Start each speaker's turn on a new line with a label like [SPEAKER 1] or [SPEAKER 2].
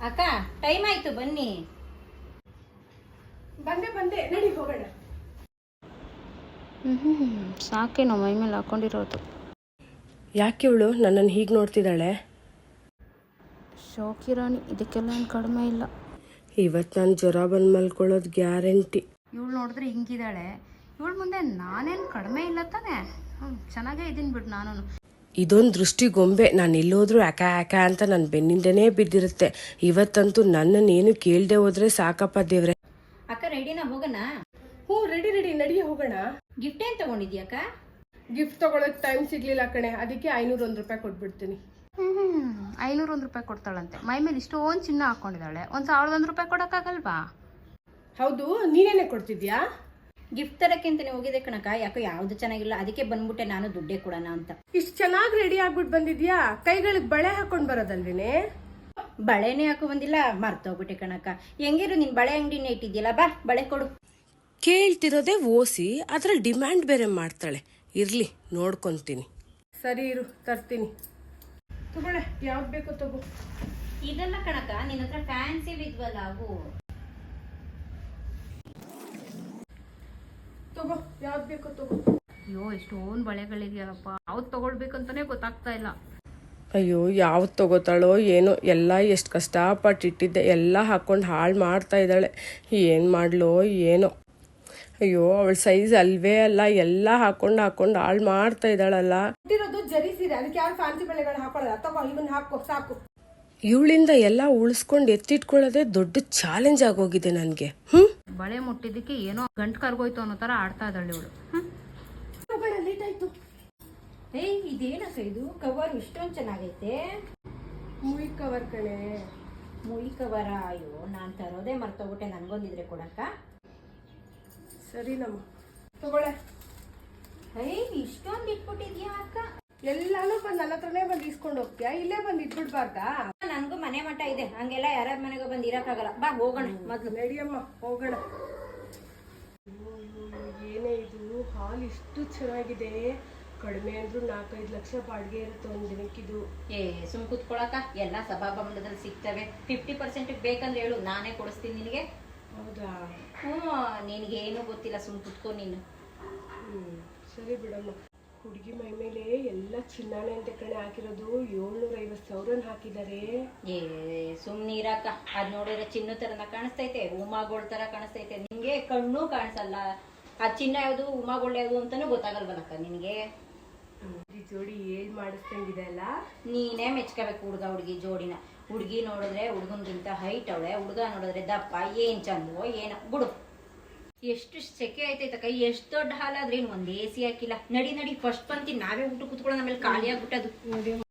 [SPEAKER 1] ಅಕ್ಕ ಟೈಮ್ ಆಯ್ತು ಬನ್ನಿ.
[SPEAKER 2] ಬಂದೆ ನಡಿ ಹೋಗೋಣ.
[SPEAKER 3] ಸಾಕೇನೋ ಮೈ ಮೇಲೆ ಹಾಕೊಂಡಿರೋದು.
[SPEAKER 2] ಯಾಕೆ ಇವಳು ನನ್ನನ್ನು ಹೀಗೆ ನೋಡ್ತಿದ್ದಾಳೆ?
[SPEAKER 3] ಶೋಕಿರಾಣಿ, ಇದಕ್ಕೆಲ್ಲ ಏನು ಕಡಿಮೆ ಇಲ್ಲ.
[SPEAKER 2] ಇವತ್ತು ನಾನು ಜ್ವರ ಬಂದು ಮಲ್ಕೊಳ್ಳೋದು ಗ್ಯಾರಂಟಿ.
[SPEAKER 3] ಇವಳು ನೋಡಿದ್ರೆ ಹಿಂಗಿದ್ದಾಳೆ, ಇವಳು ಮುಂದೆ ನಾನೇನು ಕಡಿಮೆ ಇಲ್ಲ ತಾನೆ. ಚೆನ್ನಾಗೇ ಇದ್ದೀನಿ ಬಿಡು. ನಾನು
[SPEAKER 2] ಇದೊಂದು ದೃಷ್ಟಿ ಗೊಂಬೆ, ನಾನು ಎಲ್ಲೋದ್ರೂ ಯಾಕ ಅಂತ ನನ್ನ ಬೆನ್ನಿಂದನೇ ಬಿದ್ದಿರುತ್ತೆ. ಇವತ್ತಂತೂ ನನ್ನನ್ನೇನು ಕೇಳದೆ ಹೋದ್ರೆ ಸಾಕಪ್ಪ ದೇವ್ರೆ.
[SPEAKER 1] ಅಕ್ಕ ರೆಡಿನಾ ಹೋಗೋಣ?
[SPEAKER 2] ಹ್ಞೂ ರೆಡಿ ನಡಿ ಹೋಗೋಣ.
[SPEAKER 1] ಗಿಫ್ಟ್ ಏನ್ ತಗೊಂಡಿದ್ಯಕ್ಕ?
[SPEAKER 2] ಗಿಫ್ಟ್ ತಗೊಳಕ್ ಟೈಮ್ ಸಿಗ್ಲಿಲ್ಲ ಕಣೆ, ಅದಕ್ಕೆ 501 ರೂಪಾಯಿ ಕೊಟ್ಬಿಡ್ತೀನಿ.
[SPEAKER 3] 501 ರೂಪಾಯಿ ಕೊಡ್ತಾಳಂತೆ. ಮೈ ಮೇಲೆ ಇಷ್ಟೊಂದು ಚಿನ್ನ ಹಾಕೊಂಡಿದ್ದಾಳೆ, 1,001 ರೂಪಾಯಿ ಕೊಡೋಕ್ಕಾಗಲ್ವಾ?
[SPEAKER 2] ಹೌದು, ನೀನೇನೆ ಕೊಡ್ತಿದ್ಯಾ?
[SPEAKER 1] ಗಿಫ್ಟ್ ತರಕ್ಕಿಂತಾನೆ ಹೋಗಿದೆ ಕಣಕ್ಕ. ಯಾಕೋ ಯಾವ್ದು ಚೆನ್ನಾಗಿಲ್ಲ, ಅದಕ್ಕೆ ಬಂದ್ಬಿಟ್ಟೆ ನಾನು ದುಡ್ಡೇ ಕೊಡೋಣ ಅಂತ.
[SPEAKER 2] ಇಷ್ಟು ಚೆನ್ನಾಗಿ ರೆಡಿ ಆಗ್ಬಿಟ್ಟು ಬಂದಿದ್ಯಾ? ಕೈಗಳಿಗೆ ಬಳೆ ಹಾಕೊಂಡ್ ಬರೋದಲ್ವೇನೆ?
[SPEAKER 1] ಬಳೆನೇ ಹಾಕೋ ಬಂದಿಲ್ಲ, ಮರ್ತೋಗ್ಬಿಟ್ಟೆ ಕಣಕ್ಕ. ಹೆಂಗಿರು ನಿನ್ ಬಳೆ ಅಂಗಡಿನೇ ಇಟ್ಟಿದ್ಯಲ್ಲ, ಬಾ ಬಳೆ ಕೊಡು.
[SPEAKER 2] ಕೇಳ್ತಿರೋದೇ ಓಸಿ, ಅದ್ರಲ್ಲಿ ಡಿಮ್ಯಾಂಡ್ ಬೇರೆ ಮಾಡ್ತಾಳೆ. ಇರ್ಲಿ ನೋಡ್ಕೊಂತೀನಿ. ಸರಿ ಇರು, ತರ್ತೀನಿ. ತಗೊಳ್ಳೆ, ಯಾವ್ದು ಬೇಕೋ ತಗೋ.
[SPEAKER 1] ಇದೆಲ್ಲ ಕಣಕ್ಕ, ನಿನ್ನ ಹತ್ರ ಫ್ಯಾನ್ಸಿ ಇದ್ವಲ್ಲ ಅವು.
[SPEAKER 2] ತಗೋ, ಯಾವ್ದು ಬೇಕೋ ತಗೋ.
[SPEAKER 3] ಅಯ್ಯೋ, ಎಷ್ಟೊಂದು ಬಳೆಗಳಿದೆಯಲ್ಲಪ್ಪ, ಯಾವ್ದು ತಗೊಳ್ಬೇಕಂತಾನೆ ಗೊತ್ತಾಗ್ತಾ ಇಲ್ಲ.
[SPEAKER 2] ಅಯ್ಯೋ, ಯಾವ್ದು ತಗೋತಾಳೋ ಏನೋ, ಎಲ್ಲ ಎಷ್ಟು ಕಷ್ಟಪಟ್ಟು ಇಟ್ಟಿದ್ದೆ, ಎಲ್ಲ ಹಾಕೊಂಡು ಹಾಳು ಮಾಡ್ತಾ ಇದ್ದಾಳೆ. ಏನು ಮಾಡ್ಲೋ ಏನೋ. ಅಯ್ಯೋ, ಅವಳ ಸೈಜ್ ಅಲ್ವೇ ಅಲ್ಲ, ಎಲ್ಲ ಹಾಕೊಂಡು ಹಾಳು ಮಾಡ್ತಾ ಇದ್ದಾಳಲ್ಲ.
[SPEAKER 4] ಇಟ್ಟಿರೋದು ಜರಿ ಸೀರೆ, ಅದಕ್ಕೆ ಯಾರು ಫ್ಯಾನ್ಸಿ ಬಳೆಗಳು ಹಾಕೊಳ್ಳಲ್ಲ. ತಗೋ, ಇವನ್ ಹಾಕೋ ಸಾಕು.
[SPEAKER 2] ಇವಳಿಂದ ಎಲ್ಲ ಉಳಿಸ್ಕೊಂಡು ಎತ್ತಿಟ್ಕೊಳ್ಳೋದೇ ದೊಡ್ಡ ಚಾಲೆಂಜ್ ಆಗೋಗಿದೆ ನನಗೆ.
[SPEAKER 3] ಬಳೆ ಮುಟ್ಟಿದ್ದಕ್ಕೆ ಏನೋ ಗಂಟು ಕರ್ಗೋಯ್ತು ಅನ್ನೋ ತರ ಆಡ್ತಾ ಇದ್ದಾಳೆ ಇವಳು.
[SPEAKER 4] ಲೇಟ್ ಆಯ್ತು.
[SPEAKER 1] ಏಯ್, ಇದೇನಕ್ಕ ಇದು? ಕವರ್ ಇಷ್ಟೊಂದು ಚೆನ್ನಾಗೈತೆ.
[SPEAKER 2] ಮುಯಿ ಕವರ್ ಕಣೆ.
[SPEAKER 1] ಮುಯಿ ಕವರ? ಅಯ್ಯೋ, ನಾನ್ ತರೋದೇ ಮರ್ತೋಗ್ಬಿಟ್ಟೆ. ನನ್ಗೊಂದಿದ್ರೆ ಕೊಡಕ್ಕ.
[SPEAKER 2] ಸರಿ ನಮ್ಮ ತಗೊಳ್ಳೆ.
[SPEAKER 1] ಏಯ್, ಇಷ್ಟೊಂದು ಇಟ್ಬಿಟ್ಟಿದ್ಯಾ ಅಕ್ಕ?
[SPEAKER 2] ಎಲ್ಲಾನು ಬಂದು ನನ್ನ ಹತ್ರನೇ ಬಂದು ಇಸ್ಕೊಂಡು ಹೋಗ್ತೀಯಾ? ಇಲ್ಲೇ ಬಂದು ಇಟ್ಬಿಡ್ಬಾರ್ದಾ?
[SPEAKER 1] ನನ್ಗೂ ಮನೆ ಮಠ ಇದೆ, ಹಂಗೆಲ್ಲ ಯಾರ್ಯಾರ ಮನೆಗೂ ಬಂದು ಇರಕ್ಕಾಗಲ್ಲ. ಬಾ ಹೋಗೋಣ ಮೊದ್ಲು.
[SPEAKER 2] ನಡಿಯಮ್ಮ ಹೋಗೋಣ. ಏನೇ ಇದು, ಹಾಲ್ ಇಷ್ಟು ಚೆನ್ನಾಗಿದೆ. ಕಡಿಮೆ ಅಂದ್ರೂ 4-5 ಲಕ್ಷ ಬಾಡಿಗೆ ಇರುತ್ತೆ ಒಂದು ದಿನಕ್ಕಿದು.
[SPEAKER 1] ಸುಮ್ ಕುತ್ಕೊಳಕ, ಎಲ್ಲ ಸಭಾಭವನದಲ್ಲಿ ಸಿಗ್ತವೆ. 50% ಬೇಕಂದ್ರೆ ಹೇಳು, ನಾನೇ ಕೊಡಿಸ್ತೀನಿ ನಿನಗೆ.
[SPEAKER 2] ಹೌದಾ?
[SPEAKER 1] ನಿನಗೇನು ಗೊತ್ತಿಲ್ಲ, ಸುಮ್ ಕುತ್ಕೊ ನೀನು.
[SPEAKER 2] ಸರಿ ಬಿಡಮ್ಮ. ಹುಡುಗಿ ಮೈ ಮೇಲೆ ಎಲ್ಲ ಚಿನ್ನಾನೆ ಅಂತ ಕಣೆ ಹಾಕಿರೋದು. 750,000 ಹಾಕಿದ್ದಾರೆ.
[SPEAKER 1] ಸುಮ್ನೀರಕ್ಕ, ಅದ್ ನೋಡಿದ್ರೆ ಚಿನ್ನ ತರನ ಕಾಣಿಸ್ತೈತೆ, ಉಮಾಗೋಳ್ ತರ ಕಾಣಿಸ್ತೈತೆ. ನಿನ್ಗೆ ಕಣ್ಣು ಕಾಣಿಸಲ್ಲ. ಆ ಚಿನ್ನ ಯಾವ್ದು, ಉಮಾಗೋಳ್ ಯಾವ್ದು ಅಂತಾನು ಗೊತ್ತಾಗಲ್ವನಕ್ಕ ನಿನ್ಗೆ.
[SPEAKER 2] ಈ ಜೋಡಿ ಏನ್ ಮಾಡಿಸ್ತಂಗಿದೆ ಅಲ್ಲ.
[SPEAKER 1] ನೀನೇ ಮೆಚ್ಕೋಬೇಕು ಹುಡುಗ ಹುಡುಗಿ ಜೋಡಿನ. ಹುಡುಗಿ ನೋಡಿದ್ರೆ ಹುಡುಗನ್ಗಿಂತ ಹೈಟ್ ಅವಳೆ, ಹುಡುಗ ನೋಡಿದ್ರೆ ದಪ್ಪ. ಏನ್ ಚಂದವೋ ಏನೋ ಬಿಡು. ಎಷ್ಟು ಸೆಕೆ ಆಯ್ತೈತಕ್ಕ. ಎಷ್ಟು ದೊಡ್ಡ ಹಾಲಾದ್ರೆ ಒಂದ್ AC ಹಾಕಿಲ್ಲ. ನಡಿ ಫಸ್ಟ್ ಬಂತಿ, ನಾವೇ ಊಟ ಕುತ್ಕೊಳ್ಳೋಣ, ಆಮೇಲೆ ಖಾಲಿ ಆಗ್ಬಿಟ್ಟದು.